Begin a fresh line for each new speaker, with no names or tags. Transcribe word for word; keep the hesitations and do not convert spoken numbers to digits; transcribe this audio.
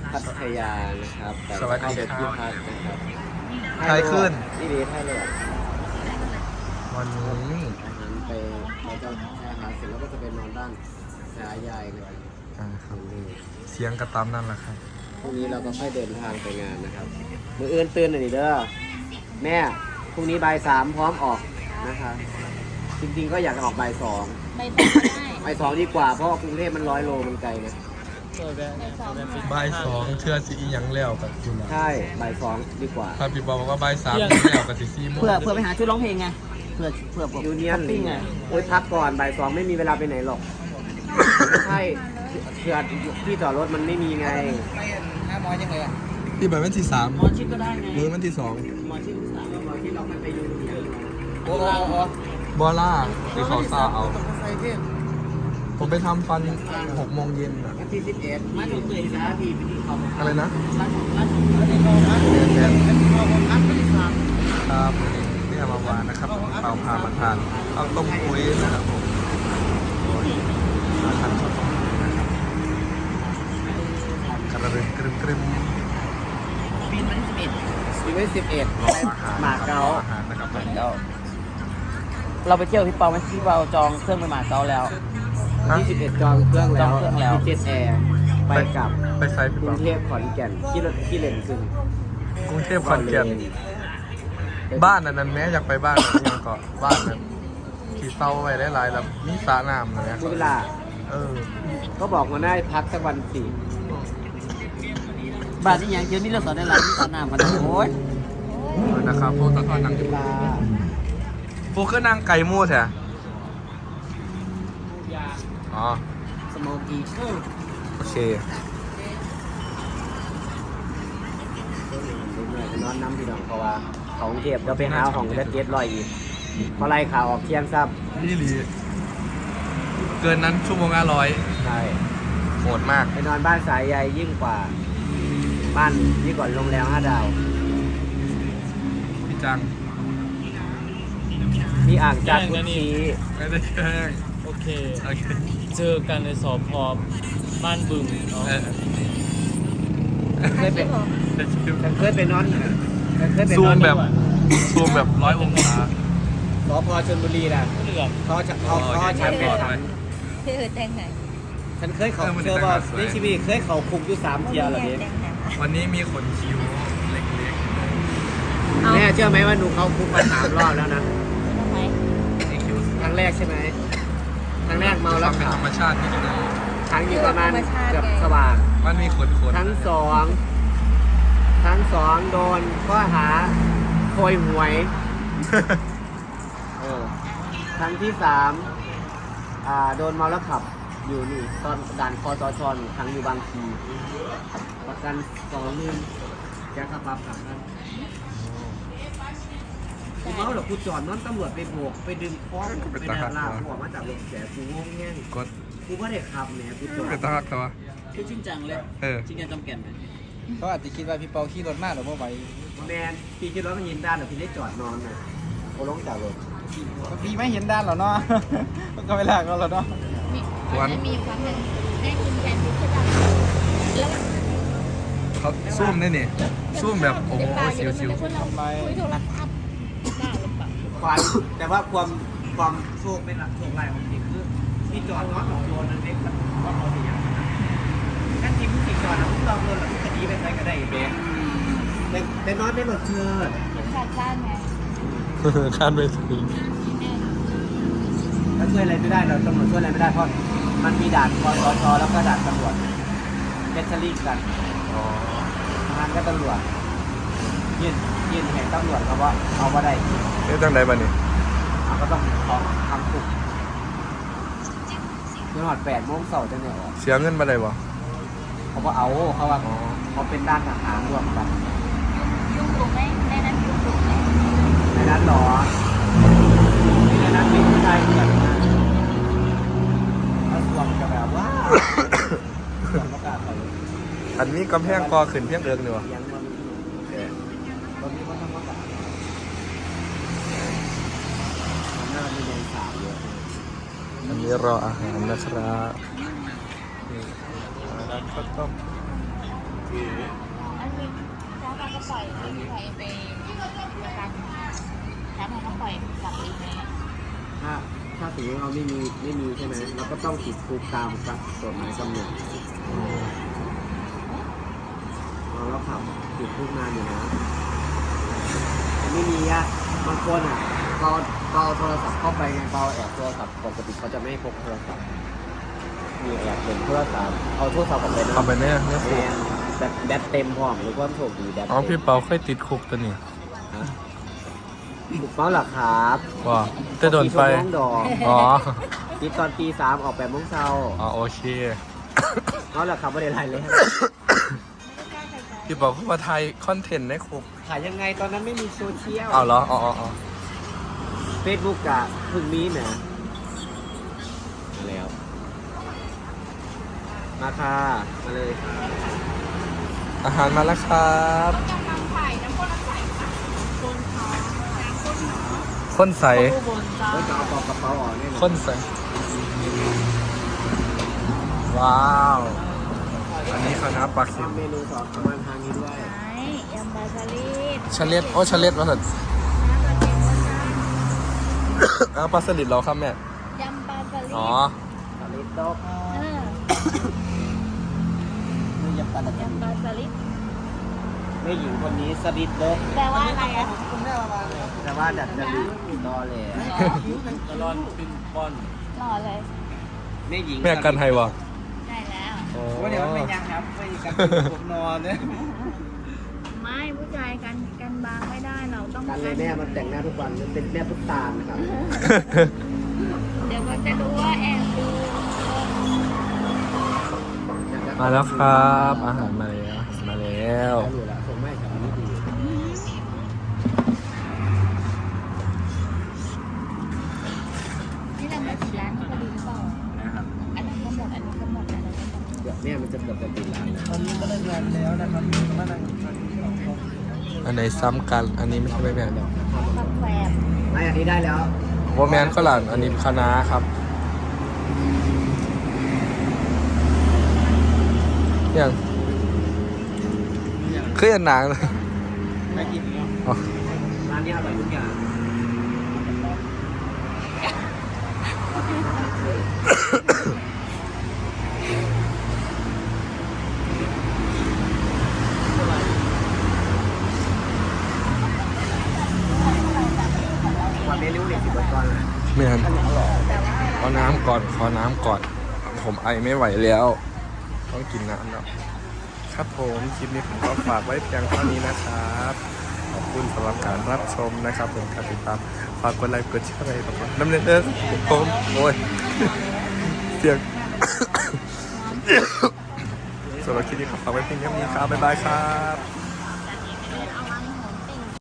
พัทยานะครับแต่
สวัสดี
เข้าไป
ครับ
ที่พักนะครับ
ไทยขึ้น
นี่ดีไทยเลย
วันนี้
อาหารไปเราจะอาหารเสร็จแล้วก็จะไปนอนด้านสายใหญ่เลย
อ่าครับเสียงกระตามนั่นแหละครับ
พรุ่งนี้เราก็ค่อยเดินทางไปงานนะครับมืออื่นตื่นหน่อยเด้อแม่พรุ่งนี้บ่ายสามพร้อมออกนะคะจริงๆก็อยากจะออกบ่ายสอง
ใบตองก็ได้
บ่ายสองดีกว่าเพราะว่ากรุงเทพมันร้อยโลมันไกลนะ
ใบตอง
บ่ายสองเชื่อสิอีหยังแล้วกับคุณ
ใช่บ่ายสองดีกว่า
พาพี่บอกว่าบ่ายสามแล้วกับสิซี่โมง
เพื่อเพื่อไปหาชุดร้องเพลงไงเพื่อเพื่อผม
ยูเนียน
ปิ้งไง
โอ้ยพักก่อนบ่ายสองไม่มีเวลาไปไหนหรอกไม่ใช่เผื่อที่จอดรถมันไม่มีไง
ไม่ห้าร้อยยังเลยอ่ะ
ที่แบบวันที่สาม
หมอชิดก็ได้ไง
หรือวันที่สอง
หมอชิดสาม
เราที่เราไม่ไปยูเนียน
โอ้โห
บอล่าที่เขาซาเอา
ต้องใส่เทพ
ผมไปทำฟันหกโมงเย็นอะ
วันที่สิบเอ็ดมาถึงเลยนะทีไปที่เขา
อะไรนะ
ร้านของร้านของร้านของร้าน
แทนแทน
ของร้านก็ได้สาม
ครับนี่มาวานนะครับเปาพามาทานเอาต้มกุ้ยนะครับผมมาทานข้าวต้มกุ้ยนะครับกระดึงกรึมกรึม
ปีนวันที่สิบเอ็ด
ปีไว้สิบเอ็ด
รออาหาร
หมาเก๊า
อาหารนะครับผม
แล้วเราไปเที่ยวพี่เปาไหมพี่เปาจองเครื่องไปหมาเก๊าแล้ว
วันที่สิบเอ็ดจองเครื่องแล้ว
จองเครื่องแล้ว
ที่เจ็ตแอร์ไปกลับ
ไปไซส์พี่
กรุ
เปาง
เทพขอนแก่นที่รถที่เลนซึ่ง
กรุงเทพขอนแก่นบ้านอันนั้นแม้อยากไปบ้านนั้นยังก็บ้านนั้นขี่เต้าไว้ได้หลายแล้วมีสระน้ำนะเนี่ย
เวลา
เออ
ก็บอกมาได้พักสักวันสี่
บ้านที่ยังเจอมีเรื่องสอนได้หลายที่สอนน้ำกันโอ้ย
นะครับพวกตะกอนนั่งอ
เว
ยู่
ลา
พวกคือนั่งไก่มูดแท้อ๋อ
สโมกี้
โอเค
นอนน้ำพี่น้องเพราะว่าเขากรุงเทพเราไปหาของจะเจ็ดลอยอีกเพราะไรข่าวออกเที่ยงซับ
นี่หลีเกินนั้นชั่วโมงละร้อย
ใช่
โหดมาก
ไปนอนบ้านสายใยยิ่งกว่า บ้านยิ่งกว่าโรงแรมห้าดาว
พี่จัง
มีอ่างจากกุชี
ไม่ได้แกล้ง
โอเค
โอเค
เจอกันในสอบพอบ้านบึงเนาะ
เออ
เคยไป
แต่ชิว
ฉันเคยไปนอนฉันเคยไปนอน
ซูมแบบซูมแบบร้อยองศา
สพชลบุรีนะ
เหลือบ
เขาจะเขาเขาฉันเป็นฉัน
พี่เออแต่งไหน
ฉันเคยเขาเจอว่าในชีวิตเคยเขาคุกอยู่สามเที่ยวแล้วเด็
แต่งไหน
วันนี้มีขนคิ้วเล็ก
แม่เชื่อไหมว่าหนูเขาคุกมาสามรอบแล้วนะ
ทำไม
ๆนี่คิ้ว
ครั้งแรกใช่ไหมครั้งแรกเมาแล้ว
เป็น
ขั
ธ
บ
รรมชาติที่ดี
ครั้งอยู่ประมาณเกือบสว่าง
มันมีขนขน
ทั้งสองทั้งสองโดนข้อหาโพยหวยเออครั้งที่สามอ่าโดนเมาแล้วขับอยู่นี่ตอนด่านคอสชนี่ครั้งอยู่บางทีประกันสองหมื่นแกขับปรับขับนั้นกูเมาหรอกูจอดนอนตำรวจไปโบกไปดึงคอไปดันลากกูออกมาจากรถแสกูงงแง่ง
กด
กูว่าได้ขับแหนกูจอด
เป็นตาหักตัว
คือจริงจังเลย
เออ
จริงจังจำแก่นเลย
เขาอาจจะคิดว่าพี่เปาขี่รถมากหรือว่าไหว
แมนพี่คิดว่ามันยินด้านหรือพี่ได้จอดนอนน่ะกูลงจากรถ
พี่ไม่เห็นด้านหรอเนาะ ก็ไม่ลากเราหรอเนาะ
มีมันมีครั้งหนึ่งได้กินแกงพริกใช่ป่ะแล้ว
เขาซูมได้นี่ซูมแบบโอ้โหชิวชิว
คนเราคุยโทรศัพท์ได้หรือเปล่า
ความแต่ว่าความความโชคเป็นหลักโชคลายของพี่คือพี่จอดนอนของโยนนั่นเองครับว่าเขาสิอย่างนั้นนั่นทีพี่จอดนะพี่ลองโดนหรือพี่คดีไปใครก็ได้เบ๊แต่แต่นอนไม่หลดเชิด
ชาติชาติไง
คาดไม่ถึง
ถ้าช่วยอะไรไม่ได้เราตำรวจช่วยอะไรไม่ได้เพราะมันมีด่านคอสชแล้วก็ด่านตำรวจเฟชลี่กัน
อ๋อ
ทหารก็ตำรวจยื่นยื่นแห่งตำรวจเขาว่าเอาว่าได้
เอ๊ะจังไดบ้านี่
เขาก็ต้องขอทำคุกจนหอดแปดโมงเสาร์จะเนี่ยออก
เสียเงินมาได้บ่
เขาบอกเอาเขาว่าเขาเป็นด้านทหารรวมกัน
ยุ่งถูกไหมในนั้นยุ่งถูกไหม
ในนั้นหรอในนั้นเป็นผู้ชายเหมือนกันนะแล้วสวมจะแบบว่าสวมประกาศเขาเลย
อันนี้กำแพงกอขึ้นเพียงเอิงนี่วะ
ยังมันตอนนี้มันทำประกาศหน้ามีแดงสาวเยอะ
อันนี้รออาหารนะครับนี่ร้านข้าวต้ม
อันนี้แล้วมันก็ปล่อยไม่มีใครไปประกันแล้วมันก็ปล่อยกลับเองไหม
ถ้าถ้าสมมติเราไม่มีไม่มีใช่ไหมเราก็ต้องติดคุกตามกับกฎหมายกำหนดเราเราขับติดคุกนานอยู่นะแต่ไม่มีอะบางคนอะเราเราเอาโทรศัพท์เข้าไปไงเราแอบโทรศัพท์ปกติเขาจะไม่ให้พกโทรศัพท์มีแอบเป็นโทรศัพท์เอาโทรศัพท์ออกไปนะ
เอาไปเนี่ยเนี่ยคุก
แบบแบตเต็มพร้อมหรือว่าโชคดีแบต
อ๋อ
เต็
พี่
ม
เปาเคยติดคุกตัวนี้
ฮะบุกเป้าหรอครับ
ว่าจะโดนไฟ
น้องดอก
อ๋อ
ติดตอนตีสามออกแปดโมงเช้า
อ๋อโอเค
เขาหรอครับไม่ได้ไรเลย
พี่เปาเข้ามาไทยคอนเทนต์ในคุก
ถ่ายยังไงตอนนั้นไม่มีโซเชียล
เอาเหรออ๋ออ๋ออ๋อ
เฟซบุ๊กอะเพิ่งมีนะมาแล้ว มาค่ะมาเลย
อาหารมาแล้วครับ
กำลังถ่ายน้ำข้นน้ำใสค่ะคนท้องน้ำข้นหนอ
ข้นใส
อุบลจ้า
แล้วจะเอาปอกกระเป๋าออกเนี่ยนะ
ข้นใส ว้าว อันนี้คณะปลาเค็ม
ทำเมนูสอนประมาณทางนี้ด้วย
ไหนยำบาซาลิด
ชะเล็ดโอ้ชะเล็ดมาเถอะ
น้ำปลาเค็มนะจ๊ะ
อ้าวปลาสลิดเราครับแม่
ยำปลาซาลิด
อ๋อ
สลิดโต๊ะ
เออ
ไม่ยำปลาตะเกียบ
ยำปลาซาลิด
แม่หญิงคนนี้สลิดโต๊ะ
แปลว่าอะไรอ่ะ
แต่ว่าดัดจริตรอเลย
ตลอดเป็นบอล
หล่อเลย
แม่หญิง
แม่กันไทยวะ
ได้แล้ว
โอ้
ว่าเดี๋ยวมันไม่ยังครับไม่กันผมนอนเนี่ย
ไม่ผู้ชายกันกันบางไม่ได้เราต้อง
กันเลยแม่มันแต่งหน้าทุกวันมันเป็นแม่ตุ๊กตาลนะครับ
เดี๋ยวมันจะรู้ว่าแอบดู
มาแล้วครับ อาหารมาแล้วอาหารมาแล้ว
อยู่แล้วผมไม่กับนี้ดี
นี่เรามาถึงร้านพอดีหรือเปล่า
นะครับ
อันนั้นก็หมดอันนี้ก็หมดอันนั้นก็หมด
เดี๋ยวแม่มันจะเกือบจะปิดร้านแล้ว
ตอนนี้ก็ได้งานแล้วนะครับมานั่งฟังที่เราเขา
อันไหนซ้ำกัน อันนี้ไม่ใช่ไม่แม่น
เดี๋ยว
ผักแฝบ
ไม่อันนี้ได้แล้ว
โบแมนก็หลานอันนี้คณะครับอย่างคืออันหนังเลย
ไม่กินเนาะ
อ๋อ
ร้านนี้อร่อยทุกอย่างวันเมนูเนี่ยสิบบาทก่อนเลย
ไม่ทันขอน้ำก่อน ขอน้ำก่อน ผมไอไม่ไหวแล้ว ต้องกินน้ำแล้วครับผมคลิปนี้ผมก็ฝากไว้เพียงเท่านี้นะครับ ขอบคุณสำหรับการรับชมนะครับผมการติดตามฝากกดไลค์กดแชร์อะไรแบบน้ำเนเดอร์ผมโอ้ยเสียง สำหรับคลิปนี้ขอฝากไว้เพียงเท่านี้ครับ บ๊ายบายครับ